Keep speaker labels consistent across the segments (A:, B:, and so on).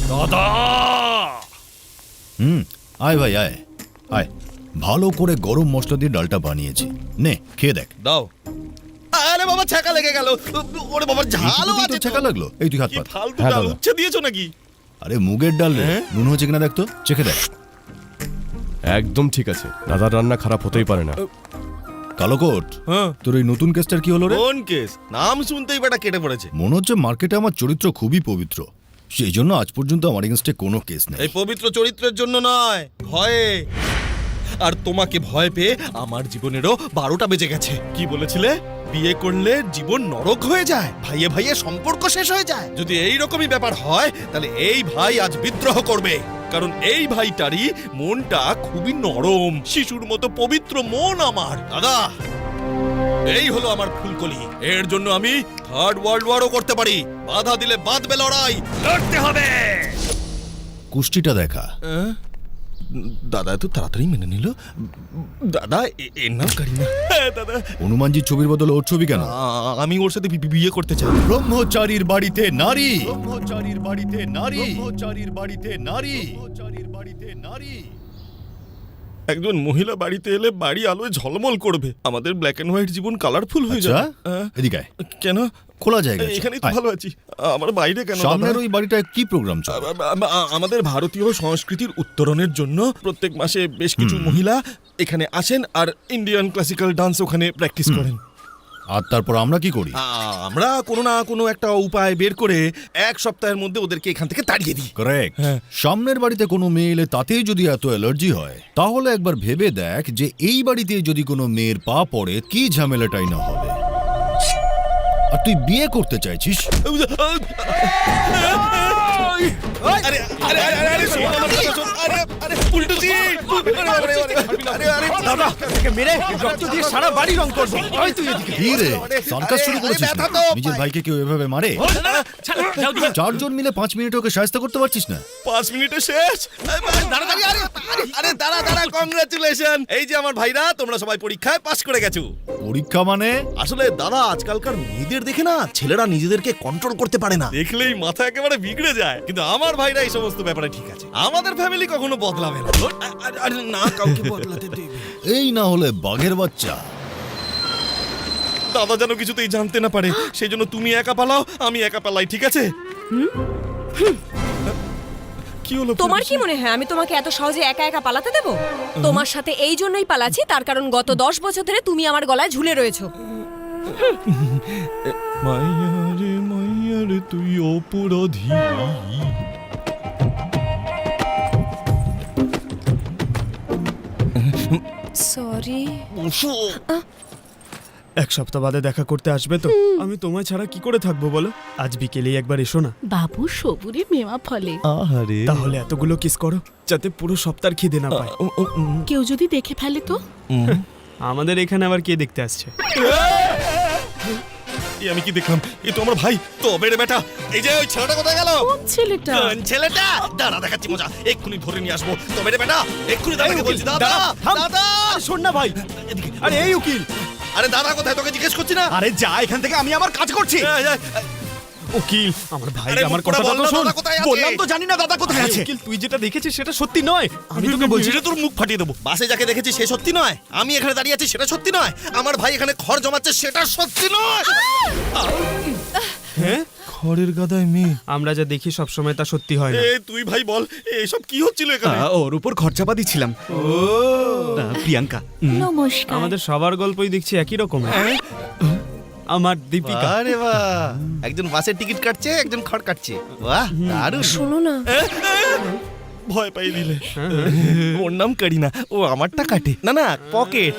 A: দাদা।
B: আয় ভাই আয় আয়, ভালো করে গরম মশলা দিয়ে ডালটা বানিয়েছি, নে খেয়ে দেখ।
A: দাও। আরে বাবা ছাকা লেগে গেল। ওরে বাবা ঝালও আছে।
B: ছাকা লাগলো? এই তুই হাত
A: কি
B: পাত।
A: ফালতু ডাল উচ্ছে দিয়েছো নাকি?
B: আরে মুগের ডাল রে, নুন হচ্ছে কিনা দেখ তো, চেখে দেখ।
C: একদম ঠিক আছে, দাদার রান্না খারাপ হতেই পারে না।
B: কালোকোট, তোর এই নতুন কেসটার কি হলো রে?
A: কোন কেস? নাম শুনতেই বেটা কেটে পড়েছে।
B: মনে হচ্ছে মার্কেটে আমার চরিত্র খুবই পবিত্র, সেই জন্য আজ পর্যন্ত আমার এগেন্স্টে কোনো কেস নেই।
A: এই পবিত্র চরিত্রের জন্য নয়, ভয়ে। আর তোমাকে ভয় পেয়ে আমার জীবনেরও 12টা বেজে গেছে। কি বলেছিলে? বিয়ে করলে জীবন নরক হয়ে যায়, ভাইয়ে ভাইয়ে সম্পর্ক শেষ হয়ে যায়। যদি এই রকমই ব্যাপার হয় তাহলে এই ভাই আজ বিদ্রোহ করবে, কারণ এই ভাইটারই মনটা খুবই নরম, শিশুর মতো পবিত্র মন আমার। দাদা, এই হলো আমার ফুলকলি। এর জন্য আমি থার্ড ওয়ার্ল্ড ওয়ারও করতে পারি। বাধা দিলে বাঁধবে লড়াই, লড়তে হবে।
B: কুষ্টিটা দেখা।
A: দাদা এত তাড়াতাড়ি মেনে নিল? দাদা এর নাম কারিনা। হ্যাঁ দাদা।
B: হনুমানজির ছবির বদলে ওর ছবি কেন?
A: আমি ওর সাথে বিয়ে করতে চাই।
B: ব্রহ্মচারীর বাড়িতে নারী, ব্রহ্মচারীর বাড়িতে নারী, ব্রহ্মচারীর বাড়িতে নারী, ব্রহ্মচারীর বাড়িতে নারী।
A: একজন মহিলা বাড়িতে এলে বাড়ি আলোয় ঝলমল করবে, আমাদের ব্ল্যাক এন্ড হোয়াইট জীবন কালারফুল হয়ে যাবে।
B: এদিকে আয়।
A: কেন?
B: খোলা জায়গা আছে।
A: এখানেই তো ভালো আছি, আমার বাইরে কেন?
B: সামনের ওই বাড়িটায় কি প্রোগ্রাম চলে?
A: আমাদের ভারতীয় সংস্কৃতির উত্তরণের জন্য প্রত্যেক মাসে বেশ কিছু মহিলা এখানে আসেন আর ইন্ডিয়ান ক্লাসিক্যাল ডান্স ওখানে প্র্যাকটিস করেন।
B: আর তারপর আমরা কি করি?
A: আমরা কোনো না কোনো একটা উপায় বের করে এক সপ্তাহের মধ্যে ওদেরকে এখান থেকে তাড়িয়ে দিই।
B: কারেক্ট। সামনের বাড়িতে কোনো মেয়ে এলে তাতেই যদি এত অ্যালার্জি হয়, তাহলে একবার ভেবে দেখ যে এই বাড়িতে যদি কোনো মেয়ের পা পড়ে কি ঝামেলাটাই না হবে। আর তুই বিয়ে করতে চাইছিস?
A: আরে আরে আরে আরে শোন আমার কথা শোন। আরে আরে উল্টোজি।
D: দাদা একে মেরে রক্ত দিয়ে সারা বাড়ি রং করব। ওই তুই এদিকে।
B: কি রে, সার্কাস শুরু করেছিস নাকি? নিজের ভাইকে কেউ এভাবে মারে? চারজন মিলে 5 মিনিট ওকে শায়েস্তা করতে পারছিস না?
A: 5 মিনিটে শেষ? আরে দাঁড়া দাঁড়া, কংগ্রাচুলেশন। এই যে আমার ভাইরা, তোমরা সবাই পরীক্ষায় পাস করে গেছো।
B: পরীক্ষা মানে?
A: আসলে দাদা আজকালকার মেয়েদের দেখে না ছেলেরা নিজেদেরকে কন্ট্রোল করতে পারে না, দেখলেই মাথা একেবারে বিগড়ে যায়। কিন্তু আমার ভাইরা এই সমস্ত ব্যাপারে ঠিক আছে। আমাদের ফ্যামিলি কখনো বদলাবে না। আরে না, কাউকে বদলাতে দেবে।
B: এই না হলে বাঘের বাচ্চা।
A: দাদা যেন কিছুতেই জানতে না পারে, সেই জন্য তুমি একা পালাও, আমি একা পালাই, ঠিক আছে? কি হলো?
E: তোমার কি মনে হয় আমি তোমাকে এত সহজে একা একা পালাতে দেব? তোমার সাথে এই জন্যই পালাচ্ছি, তার কারণ গত 10 বছর ধরে তুমি আমার গলায় ঝুলে রয়েছো।
A: মাইয়ারে মাইয়ারে তুই অপরাধী।
E: সরি।
D: এক সপ্তাহ বাদে দেখা করতে আসবে তো? আমি তোমায় ছাড়া কি করে থাকবো বলো? আজ বিকেলেই একবার এসো না।
F: বাবু সবুরে মেওয়া ফলে।
A: আহারে,
D: তাহলে এতগুলো কিস করো যাতে পুরো সপ্তাহ খিদে না পায়।
F: কেউ যদি দেখে ফেলে তো?
D: আমাদের এখানে আবার কে দেখতে আসছে?
A: আমি কি দেখলাম? এ তো আমার ভাই। তবে রে বেটা, এই যে ওই ছেলেটা কোথায় গেল?
F: কোন ছেলেটা?
A: কোন ছেলেটা? দাঁড়া দেখাচ্ছি মজা, এক্ষুনি ধরে নিয়ে আসবো। তবে রে বেটা, এক্ষুনি দাদাকে বলছি। দাদা দাদা
D: শোন না ভাই।
A: এদিকে।
D: আরে এই উকিল।
A: আরে দাদা কোথায়, তোকে জিজ্ঞেস করছি না?
D: আরে যা এখান থেকে, আমি আমার কাজ করছি। উকিল, আমার ভাই
A: আরে
D: আমার
A: মুখ করে
D: কথা
A: বল না,
D: শোন।
A: দাদা কোথায় আছে?
D: বললাম তো জানি না দাদা কোথায় আছে। উকিল তুই যেটা দেখেছিস সেটা সত্যি নয়। আমি তোকে বলছি
A: তোর মুখ ফাটিয়ে দেবো। বাসে যাকে দেখেছি সে সত্যি নয়, আমি এখানে দাঁড়িয়ে আছি সেটা সত্যি নয়, আমার ভাই এখানে খড় জমাচ্ছে সেটা সত্যি নয়।
D: হ্যাঁ,
A: খড়ের গাদায় মেয়ে।
D: আমরা যা দেখি সব সময় তা সত্যি হয় না।
A: এ তুই ভাই বল, এসব কি হচ্ছিল এখানে?
G: ওর উপর খরচাপা দিচ্ছিলাম। প্রিয়াঙ্কা।
F: নমস্কার।
D: আমাদের সবার গল্পই দেখছি একই রকম। আমার দীপিকা।
A: আরে বাহ, একজন বাসের টিকিট কাটছে, একজন খড় কাটছে। বাহ দারুণ।
E: শোনো না,
A: ভয় পাই দিলে। ওর নাম কারিনা, ও আমারটা কাটে না, না পকেট।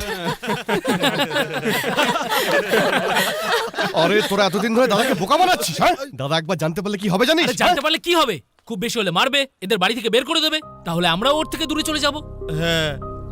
C: আরে তোরা এতদিন ধরে দাদাকে বোকা বানাচ্ছিস, হ্যাঁ? দাদা একবার জানতে পারলে কি হবে জানিস?
H: জানতে পারলে কি হবে? খুব বেশি হলে মারবে, এদের বাড়ি থেকে বের করে দেবে, তাহলে আমরাও ওর থেকে দূরে চলে যাব।
A: হ্যাঁ,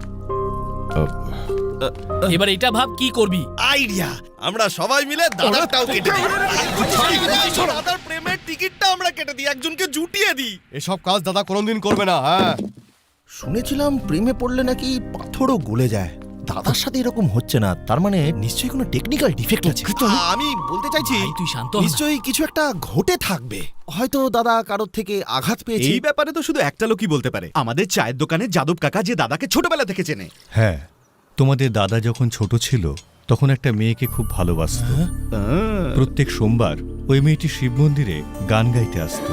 H: এবার এটা ভাব কি করবি।
A: আইডিয়া, আমরা সবাই মিলে দাদারটাও কেটে দিই। দাদার প্রেমের টিকিটটা আমরা কেটে দিই, একজনকে জুটিয়ে দিই।
C: এসব কাজ দাদা কোনোদিন করবে না। হ্যাঁ,
A: শুনেছিলাম প্রেমে পড়লে নাকি পাথরও গলে যায়।
I: দাদার সাথে এরকম হচ্ছে না, তার মানে নিশ্চয়ই কোনো টেকনিক্যাল ডিফেক্ট আছে।
A: আমি বলতে চাইছি
H: ভাই, তুই শান্ত হ না।
A: নিশ্চয়ই কিছু একটা ঘটে থাকবে। হয়তো দাদা কারোর থেকে আঘাত পেয়েছে।
G: এই ব্যাপারে তো শুধু একটা লোকই বলতে পারে, আমাদের চায়ের দোকানে যাদব কাকা, যে দাদাকে ছোটবেলা থেকে চেনে।
B: হ্যাঁ, তোমাদের দাদা যখন ছোট ছিল তখন একটা মেয়েকে খুব ভালোবাসতো। প্রত্যেক সোমবার ওই মেয়েটি শিব মন্দিরে গান গাইতে আসতো।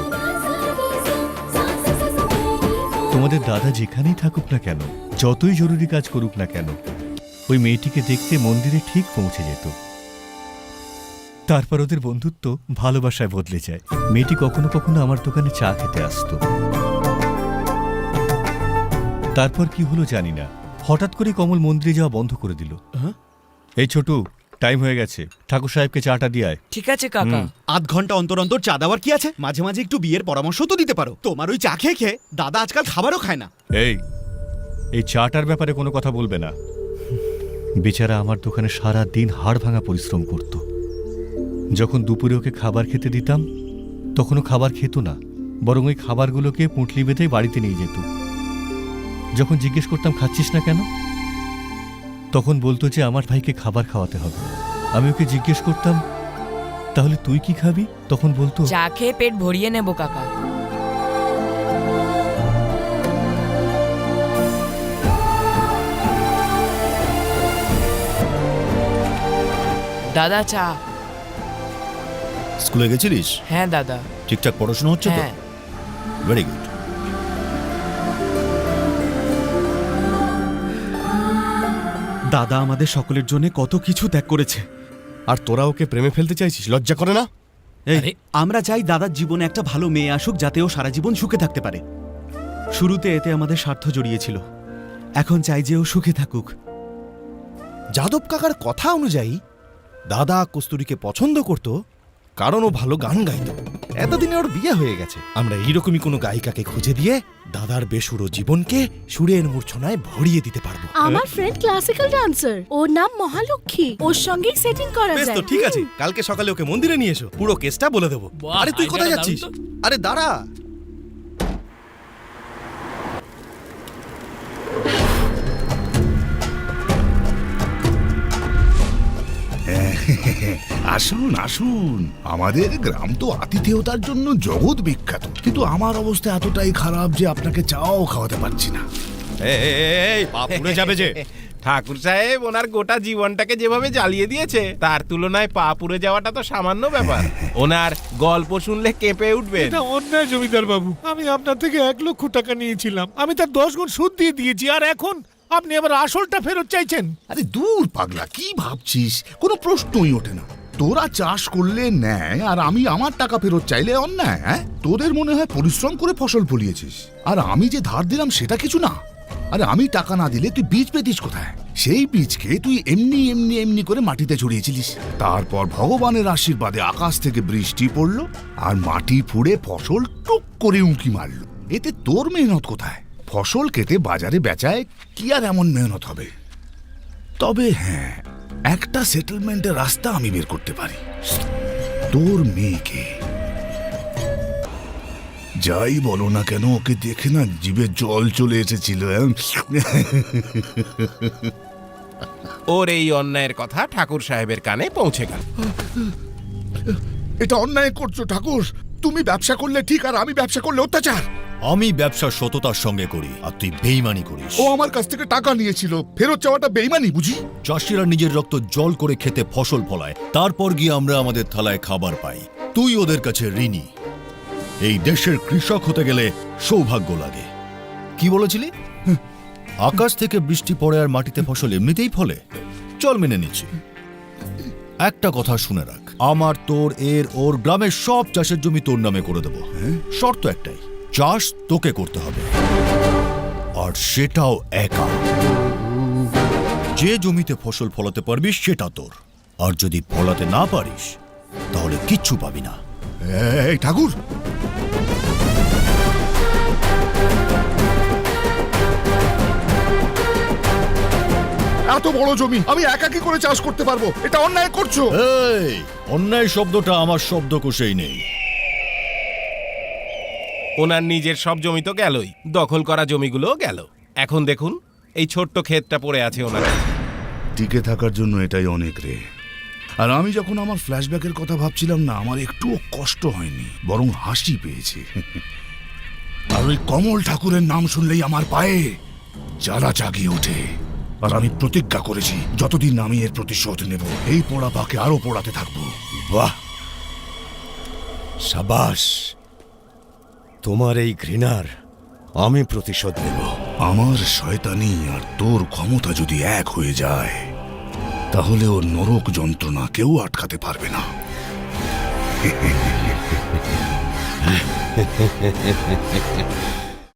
B: তোমাদের দাদা যেখানেই থাকুক না কেন, যতই জরুরি কাজ করুক না কেন, ওই মেয়েটিকে দেখতে মন্দিরে ঠিক পৌঁছে যেত। তারপর ওদের বন্ধুত্ব ভালোবাসায় বদলে যায়। মেয়েটি কখনো কখনো আমার দোকানে চা খেতে আসতো। তারপর কি হলো জানি না, হঠাৎ করে কমল মন্দিরে যাওয়া বন্ধ করে দিল। এই ছোটু, টাইম হয়ে গেছে, ঠাকুর সাহেবকে চাটা দিয়ে আয়।
J: ঠিক আছে কাকা।
G: আধ ঘন্টা অন্তর অন্তর চা দেওয়ার কি আছে? মাঝে মাঝে একটু বিয়ের পরামর্শ তো দিতে পারো। তোমার ওই চা খেয়ে খেয়ে দাদা আজকাল খাবারও খায় না।
B: এই চাটার ব্যাপারে কোনো কথা বলবে না। বেচারা আমার দোকানে সারা দিন হাড় ভাঙা পরিশ্রম করত। যখন দুপুরে ওকে খাবার খেতে দিতাম তখনও খাবার খেত না, বরং ওই খাবারগুলোকে পুঁটলি বেঁধে বাড়িতে নিয়ে যেত। যখন জিজ্ঞেস করতাম খাচ্ছিস না কেন, তখন বলতো যে আমার ভাইকে খাবার খাওয়াতে হবে। আমি ওকে জিজ্ঞেস করতাম তাহলে তুই কি খাবি, তখন বলতো
J: চা খেয়ে পেট ভরিয়ে নেব কাকা। দাদা চা।
B: স্কুলে গেছিলিস?
J: হ্যাঁ দাদা।
B: ঠিকঠাক পড়াশোনা হচ্ছে তো?
J: হ্যাঁ।
B: Very good.
G: দাদা আমাদের সকলের জন্য কত কিছু ত্যাগ করেছে।
C: আর তোরা ওকে প্রেমে ফেলতে চাইছিস? লজ্জা করে না?
G: এই
H: আরে।
G: আমরা চাই দাদার জীবনে একটা ভালো মেয়ে আসুক, যাতে ও সারা জীবন সুখে থাকতে পারে। শুরুতে এতে আমাদের স্বার্থ জড়িয়েছিল, এখন চাই যে ও সুখে থাকুক।
A: যাদব কাকার কথা অনুযায়ী দাদা কস্তুরীকে পছন্দ করত কারণ ও ভালো গান গাইত। এতদিনে ওর বিয়ে হয়ে গেছে। আমরা এইরকমই কোনো গায়িকাকে খুঁজে দিয়ে দাদার বেসুরো জীবনকে সুরের মূর্ছনায় ভরিয়ে দিতে পারবো।
F: আমার ফ্রেন্ড ক্লাসিক্যাল ডান্সার, ওর নাম মহালক্ষ্মী, ওর সঙ্গেই সেটিং করা
A: বেশ
F: যায়।
A: তো, ঠিক আছে, কালকে সকালে ওকে মন্দিরে নিয়ে এসো, পুরো কেসটা বলে দেবো।
H: বাহ,
A: আরে তুই কোথায়
H: আইডিয়াটা
A: যাচ্ছিস?
H: দারুণ
A: আরে দাঁড়া।
K: আসুন আসুন, আমাদের গ্রাম তো আতিথেয়তার জন্য জগৎ বিখ্যাত, কিন্তু আমার অবস্থা এতটাই খারাপ যে আপনাকে চাও খাওয়াতে পারছি না।
A: এই পাপ পুড়ে যাবে যে।
L: ঠাকুর সাহেব ওনার গোটা জীবনটাকে যেভাবে জ্বালিয়ে দিয়েছে, তার তুলনায় পা পুড়ে যাওয়াটা তো সামান্য ব্যাপার। ওনার গল্প শুনলে কেঁপে উঠবেন।
M: এটা অন্যায় জমিদার বাবু, আমি আপনার থেকে 1 লক্ষ টাকা নিয়েছিলাম, আমি তার 10 গুণ সুদ দিয়ে দিয়েছি, আর এখন আপনি আবার আসলটা ফেরত চাইছেন।
K: আরে দূর পাগলা, কি ভাবছিস? কোনো প্রশ্নই ওঠে না। তোরা চাষ করলে ন্যায়, আর আমি আমার টাকা ফেরত চাইলে অন্যায়? হ্যাঁ, তোদের মনে হয় পরিশ্রম করে ফসল ফলিয়েছিস, আর আমি যে ধার দিলাম সেটা কিছু না। আরে আমি টাকা না দিলে তুই বীজ পেতিস কোথায়? সেই বীজকে তুই এমনি এমনি এমনি করে মাটিতে ছড়িয়েছিলিস। তারপর ভগবানের আশীর্বাদে আকাশ থেকে বৃষ্টি পড়লো, আর মাটি ফুঁড়ে ফসল টুক করে উঁকি মারলো। এতে তোর মেহনত কোথায়? ফসল কেটে বাজারে বেচায় কি আর এমন মেহনত হবে? তবে হ্যাঁ, একটা সেটেলমেন্টের রাস্তা আমি বের করতে পারি। তোর মেয়েকে, যাই বলো না কেন, ওকে দেখে না জিভে জল চলে এসেছিল।
L: ওর এই অন্যায়ের কথা ঠাকুর সাহেবের কানে পৌঁছে গেল।
K: এটা অন্যায় করছো ঠাকুর। তুমি ব্যবসা করলে ঠিক, আর আমি ব্যবসা করলে অত্যাচার।
B: আমি ব্যবসা সততার সঙ্গে করি, আর তুই বেইমানি করিস।
K: ও আমার কাছ থেকে টাকা নিয়েছিল, ফেরত চাওয়াটা বেইমানি বুঝি?
B: চাষিরা নিজের রক্ত জল করে খেতে ফসল ফলায়, তারপর গিয়ে আমরা আমাদের থালায় খাবার পাই। তুই ওদের কাছে ঋণী। এই দেশের কৃষক হতে গেলে সৌভাগ্য লাগে। কি বলেছিলি? আকাশ থেকে বৃষ্টি পড়ে আর মাটিতে ফসল এমনিতেই ফলে? চল মেনে নিচ্ছি। একটা কথা শুনে রাখ, আমার, তোর, এর, ওর গ্রামের সব চাষের জমি তোর নামে করে দেবো। শর্ত একটাই, চাষ তোকে করতে হবে, আর সেটাও একা। যে জমিতে ফসল ফলাতে পারবি সেটা তোর, আর যদি ফলাতে না পারিস তাহলে কিচ্ছু পাবি না।
K: এই ঠাকুর, এত বড় জমি আমি একা কি করে চাষ করতে পারবো? এটা অন্যায় করছো।
B: এই অন্যায় শব্দটা আমার শব্দকোষেই নেই।
L: ওনার নিজের সব জমি তো গেলই, দখল করা জমিগুলোও গেল। এখন দেখুন এই ছোট্ট ক্ষেতটা পড়ে আছে ওনার কাছে।
K: টিকে থাকার জন্য এটাই অনেক রে। আর আমি যখন আমার ফ্ল্যাশব্যাকের কথা ভাবছিলাম না, আমার একটুও কষ্ট হয়নি, বরং হাসি পেয়েছে। আর ওই কমল ঠাকুরের নাম শুনলেই আমার পায়ে জ্বালা জাগিয়ে ওঠে। আর আমি প্রতিজ্ঞা করেছি, যতদিন আমি এর প্রতিশোধ নেব, এই পোড়া পাকে আরো পোড়াতে থাকবো।
I: বাহ, সাবাস, তোমার এই ঘৃণার আমি প্রতিশোধ নেব।
K: আমার শয়তানি আর তোর ক্ষমতা যদি এক হয়ে যায়, তাহলে ওর নরক যন্ত্রণা কেউ আটকাতে পারবে না।